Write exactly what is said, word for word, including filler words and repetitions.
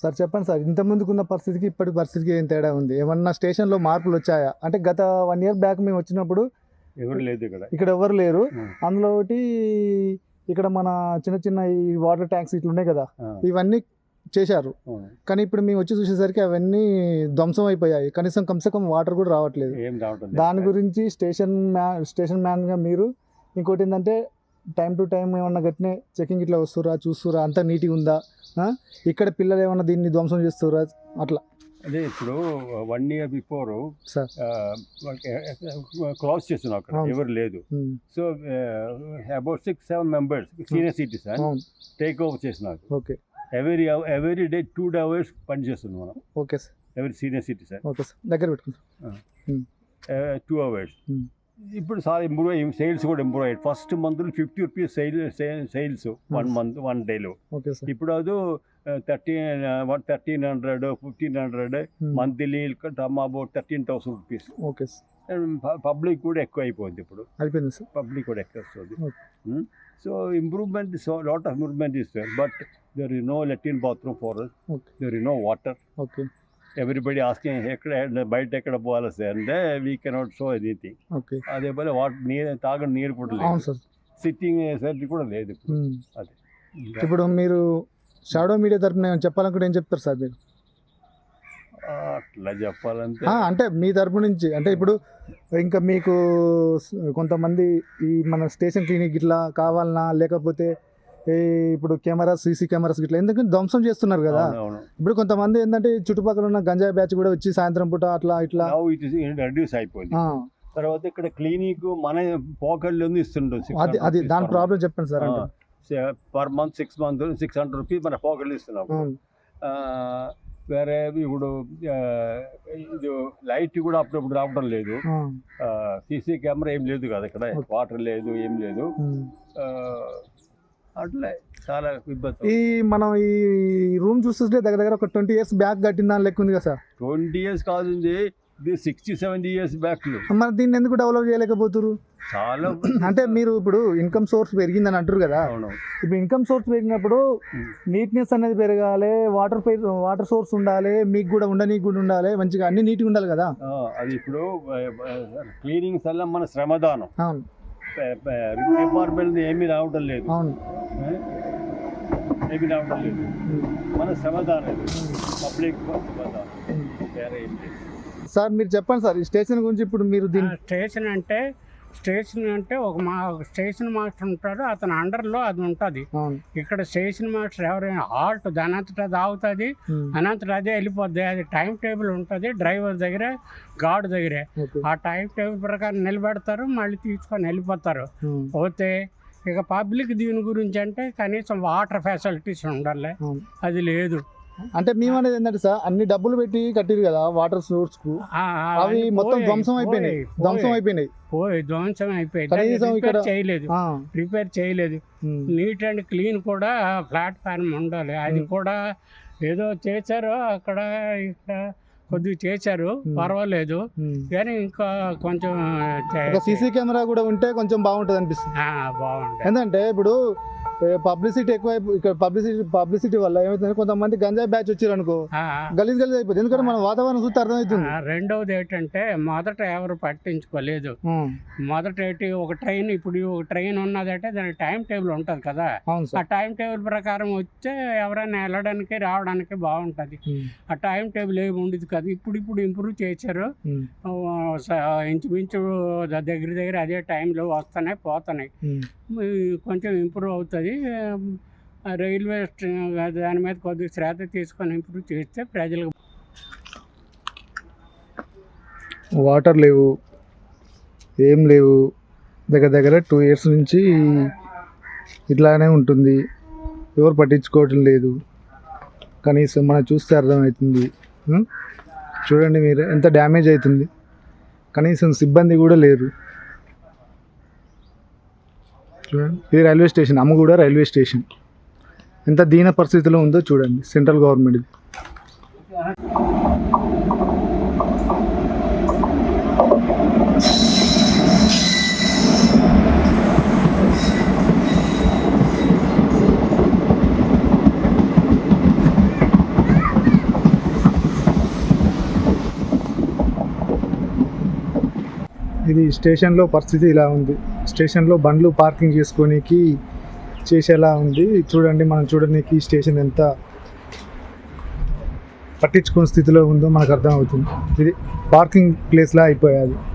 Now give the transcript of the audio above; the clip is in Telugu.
సార్ చెప్పండి సార్, ఇంత ముందుకున్న పరిస్థితికి ఇప్పటి పరిస్థితికి ఏం తేడా ఉంది? ఏమన్నా స్టేషన్లో మార్పులు వచ్చాయా? అంటే గత వన్ ఇయర్ బ్యాక్ మేము వచ్చినప్పుడు ఎవరు లేదు ఇక్కడ ఇక్కడ ఎవరు లేరు. ఉం. అందులో ఒకటి ఇక్కడ మన చిన్న చిన్న ఈ వాటర్ ట్యాంక్స్ ఇట్లా ఉన్నాయి కదా, ఆ, ఇవన్నీ చేశారు. అవును. కానీ ఇప్పుడు మేము వచ్చి చూసేసరికి అవన్నీ ధ్వంసం అయిపోయాయి. కనీసం కమ్సే కమ్ వాటర్ కూడా రావట్లేదు. ఏం రావటం దాని గురించి స్టేషన్ మ్యాన్ స్టేషన్ మ్యాన్గా మీరు ఇంకోటి ఏంటంటే టైం టు టైం ఏమన్నా గట్టినే చెకింగ్ ఇట్లా వస్తురా చూస్తురా, అంతా నీట్గా ఉందా, ఆ? ఇక్కడ పిల్లలు ఏమన్నా దీన్ని ధ్వంసం చేస్తురా అట్లా? అదే ఇప్పుడు one year before sir class చేస్తున్నాం అక్కడ అవును. ఎవరు లేదు. Um, so about six seven members senior citizen అవును, టేక్ ఓవర్ చేసినారు. Okay every every day two hours పని చేస్తున్నాం మనం. ఓకే సార్, ఎవరి సీనియర్ సిటిజన్ ఓకే సార్, దగ్గర పెట్టుకుంటాం. Two hours. ఉమ్, ఇప్పుడు చాలా ఇంప్రూవ్ అయ్యి సేల్స్ కూడా ఇంప్రూవ్ అయ్యాయి. ఫస్ట్ మంత్లో fifty rupees sale sales one month one డేలో. ఓకే సార్, ఇప్పుడు అది thirteen one thirteen hundred fifteen hundred monthly come about thirteen thousand rupees. Okay sir, public కూడా ఎక్కువ అయిపోయింది. ఇప్పుడు అయిపోయింది సార్. పబ్లిక్ కూడా ఎక్కువ వస్తుంది. Okay. So improvement so lot of improvement is there, but there is no latrine bathroom for us. Okay, there is no water. Okay, everybody asking ఎక్కడ బయట ఎక్కడ పోవాలి సార్ అంటే we cannot show anything. Okay, అదే పోలే వాటర్ నీరు తాగడం నీరు కూడా అవును లేదు, సార్. సిట్టింగ్ ఫెసిలిటీ కూడా లేదు ఇప్పుడు. ఉమ్, అదే ఇప్పుడు మీరు షాడో మీడియా తరపున ఏమైనా చెప్పాలనుకుంటే ఏం చెప్తారు సార్ మీరు? అట్లా చెప్పాలంటే ఆ, అంటే మీ తరపు నుంచి అంటే ఇప్పుడు ఇంకా మీకు స్- కొంతమంది ఈ మన స్టేషన్ క్లినిక్ ఇట్లా కావాలన్నా, లేకపోతే ఈ ఇప్పుడు కెమెరాస్ సీసీ కెమెరాస్ ఇట్లా ఎందుకంటే ధ్వంసం చేస్తున్నారు కదా. అవును, అవును. ఇప్పుడు కొంతమంది ఏంటంటే ఈ చుట్టుపక్కల ఉన్న గంజాయి బ్యాచ్ కూడా వచ్చి సాయంత్రం పూట అట్లా ఇట్లా Now it is reduce అయిపోయింది. ఆ, తర్వాత ఇక్కడ క్లినిక్ మన పాకెట్లో ఇస్తుంటాం. అది అది దాని ప్రాబ్లం చెప్పండి సార్. అంటే per month six month six hundred rupees మన పాకెట్లో ఇస్తున్నాం. అవును, ఆ, వేరే ఇప్పుడు ఆ, ఇది లైట్ కూడా అప్పుడప్పుడు రావడం లేదు. ఆ, సీసీ కెమెరా ఏం లేదు కదా ఇక్కడ, వాటర్ లేదు ఏం లేదు. ఉమ్. ఆ, అట్లే చాలా ఇబ్బంది. ఈ మనం ఈ రూమ్ చూస్తుంటే దగ్గర దగ్గర ఒక ట్వంటీ ఇయర్స్ బ్యాక్ కట్టిన దాని లెక్క ఉంది కదా సార్. ట్వంటీ ఇయర్స్ కాదు, ఇది సిక్స్టీ సెవెంటీ ఇయర్స్ బ్యాక్. మరి దీన్ని ఎందుకు డెవలప్ చేయలేకపోతురు? చాలా అంటే మీరు ఇప్పుడు ఇన్కమ్ సోర్స్ పెరిగిందని అంటారు కదా. అవును. ఇప్పుడు ఇన్కమ్ సోర్స్ పెరిగినప్పుడు నీట్నెస్ అనేది పెరగాలి, వాటర్ వాటర్ సోర్స్ ఉండాలి, మీకు కూడా ఉండనీకి కూడా ఉండాలి, మంచిగా అన్ని నీట్గా ఉండాలి కదా. ఆ, అది ఇప్పుడు క్లీనింగ్స్ వల్ల మన శ్రమదానం. అవును, డిపార్ట్మెంట్ ఏమీ రావడం లేదు, అవును, ఏమీ రావడం లేదు. మన శ్రమదానం పబ్లిక్ శ్రమదానం, ఉమ్. వేరే ఏం లేదు. సార్ మీరు చెప్పండి సార్ ఈ స్టేషన్ గురించి. ఇప్పుడు మీరు ఆ దీన్ని స్టేషన్ అంటే స్టేషన్ అంటే ఒక మా ఒక స్టేషన్ మాస్టర్ ఉంటాడు, అతని అండర్లో అది ఉంటుంది. అవును, ఇక్కడ స్టేషన్ మాస్టర్ ఎవరైనా హాల్ట్ దానంతటా దాగుతుంది, ఉమ్, అనంతటా అదే వెళ్ళిపోద్ది. అది టైం టేబుల్ ఉంటుంది డ్రైవర్ దగ్గర, గార్డ్ దగ్గరే. ఓకే, ఆ టైం టేబుల్ ప్రకారం నిలబెడతారు, మళ్ళీ తీసుకొని వెళ్ళిపోతారు. ఉమ్, పోతే ఇక పబ్లిక్ దీని గురించి అంటే కనీసం వాటర్ ఫెసిలిటీస్ ఉండాలి, అవును. అది లేదు. అంటే మేము అనేది ఏంటంటే సార్ అన్ని డబ్బులు పెట్టి కట్టిరు కదా వాటర్ సోర్స్ కు, ఆ, అవి అవన్నీ మొత్తం పోయాయి, ధ్వంసం అయిపోయినాయి, పోయాయి, ధ్వంసం పోయాయి. అయిపోయినాయి. పోయి ధ్వంసం అయిపోయింది, కనీసం రిపేర్ ఇక్కడ- చేయలేదు ఆ, రిపేర్ చేయలేదు. ఉమ్, నీట్ అండ్ క్లీన్ కూడా ప్లాట్ఫామ్ ఉండాలి, అది Hmm. కూడా ఏదో చేశారు అక్కడ ఇక్కడ కొద్దిగా చేశారు, Hmm. పర్వాలేదు. ఉమ్. కానీ ఇంకా కొంచెం చే- ఒక సీసీ కెమెరా కూడా ఉంటే కొంచెం బాగుంటుంది అనిపిస్తుంది. ఆ, బాగుంది. ఎందుకంటే ఇప్పుడు పబ్లిసిటీ ఎక్కువ ఇక్కడ పబ్లిసిటీ పబ్లిసిటీ వల్ల ఏమవుతుంది, కొంతమంది గంజాయి బ్యాచ్ వచ్చారు అనుకో ఆ, గలీజ్ గలీజ్ అయిపోతుంది. ఎందుకంటే మన వాతావరణం చూస్తే అర్థమవుతుంది. ఆ, రెండవది ఏంటంటే మొదట ఎవరు పట్టించుకోలేదు. ఉమ్, మొదట ఏంటి ఒక ట్రైన్, ఇప్పుడు ఒక ట్రైన్ ఉన్నదంటే దానికి టైం టేబుల్ ఉంటుంది కదా, అవును ఆ సార్. టైం టేబుల్ ప్రకారం వస్తే ఎవరైనా వెళ్ళడానికి రావడానికి బాగుంటుంది. ఉమ్, ఆ టైం టేబుల్ ఏమి ఉండేది కదా, ఇప్పుడు ఇప్పుడు ఇంప్రూవ్ చేశారు. ఉమ్, ఆ, స- ఇంచుమించు ద- దగ్గర దగ్గర అదే టైంలో వస్తున్నాయి పోతున్నాయి. ఉమ్. ఈ కొంచెం ఇంప్రూవ్ అవుతుంది. ఆ, రైల్వే స్ట- దాని మీద కొద్దిగా శ్రద్ధ తీసుకొని ఇంప్రూవ్ చేస్తే ప్రజలకు వాటర్ లేవు, ఏం లేవు, దగ్గర దగ్గర టూ ఇయర్స్ నుంచి ఇట్లానే ఉంటుంది. ఎవరు పట్టించుకోవటం లేదు, కనీసం మనం చూస్తే అర్థమవుతుంది. ఉం? చూడండి మీరు ఎంత డ్యామేజ్ అవుతుంది, కనీసం సిబ్బంది కూడా లేరు. చూడండి ఇది railway station, Ammaguda railway station ఎంత దీన పరిస్థితిలో ఉందో చూడండి. సెంట్రల్ గవర్నమెంట్ ఇది. స్టేషన్లో పరిస్థితి ఇలా ఉంది. స్టేషన్లో బండ్లు పార్కింగ్ చేసుకోనికి చేసేలా ఉంది. చూడండి, మనం చూడడానికి స్టేషన్ ఎంత పట్టించుకునే స్థితిలో ఉందో మనకు అర్థమవుతుంది. ఇది పార్కింగ్ ప్లేస్లా అయిపోయాది.